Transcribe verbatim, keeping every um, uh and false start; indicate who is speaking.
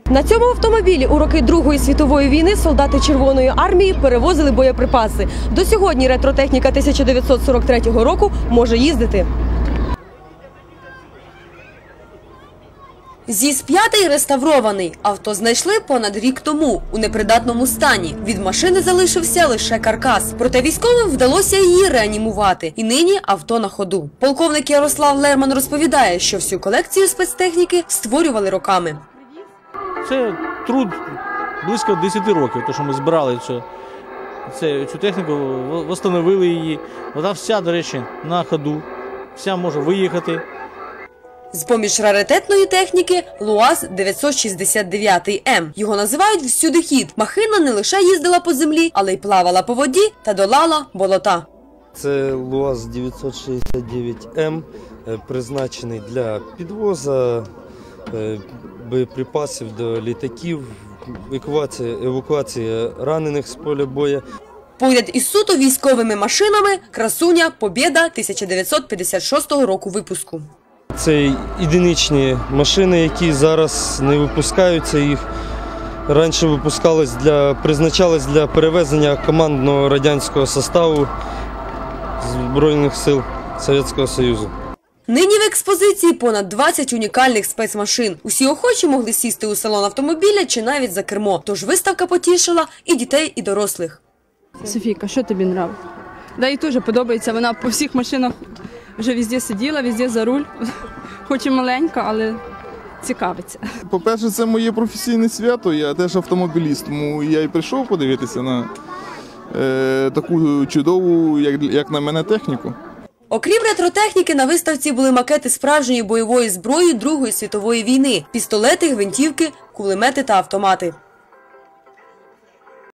Speaker 1: На цьому автомобілі у роки Другої світової війни солдати Червоної армії перевозили боєприпаси. До сьогодні ретротехніка тисяча дев'ятсот сорок третього року може їздити. ЗІС п'ять реставрований. Авто знайшли понад рік тому у непридатному стані. Від машини залишився лише каркас. Проте військовим вдалося її реанімувати. І нині авто на ходу. Полковник Ярослав Лерман розповідає, що всю колекцію спецтехніки створювали роками.
Speaker 2: Це труд близько десяти років, тому що ми збирали цю, цю техніку, встановили її. Вона вся, до речі, на ходу, вся може виїхати.
Speaker 1: З-поміж раритетної техніки – ЛУАЗ дев'ятсот шістдесят дев'ять М. Його називають всюдихід. Махина не лише їздила по землі, але й плавала по воді та долала болота.
Speaker 3: Це ЛУАЗ дев'ятсот шістдесят дев'ять М, призначений для підвозу боєприпасів до літаків, евакуація, евакуація ранених з поля бою.
Speaker 1: Поряд із суто військовими машинами – красуня «Побєда» тисяча дев'ятсот п'ятдесят шостого року випуску.
Speaker 3: Це єдиничні машини, які зараз не випускаються. Їх раніше випускались для, призначались для перевезення командного радянського составу Збройних сил Совєтського Союзу.
Speaker 1: Нині в експозиції понад двадцять унікальних спецмашин. Усі охочі могли сісти у салон автомобіля чи навіть за кермо. Тож виставка потішила і дітей, і дорослих.
Speaker 4: Софійка, що тобі подобається? Да, їй теж подобається. Вона по всіх машинах вже везде сиділа, везде за руль. Хоч і маленька, але цікавиться.
Speaker 5: По-перше, це моє професійне свято, я теж автомобіліст, тому я і прийшов подивитися на е, таку чудову, як, як на мене, техніку.
Speaker 1: Окрім ретротехніки, на виставці були макети справжньої бойової зброї Другої світової війни – пістолети, гвинтівки, кулемети та автомати.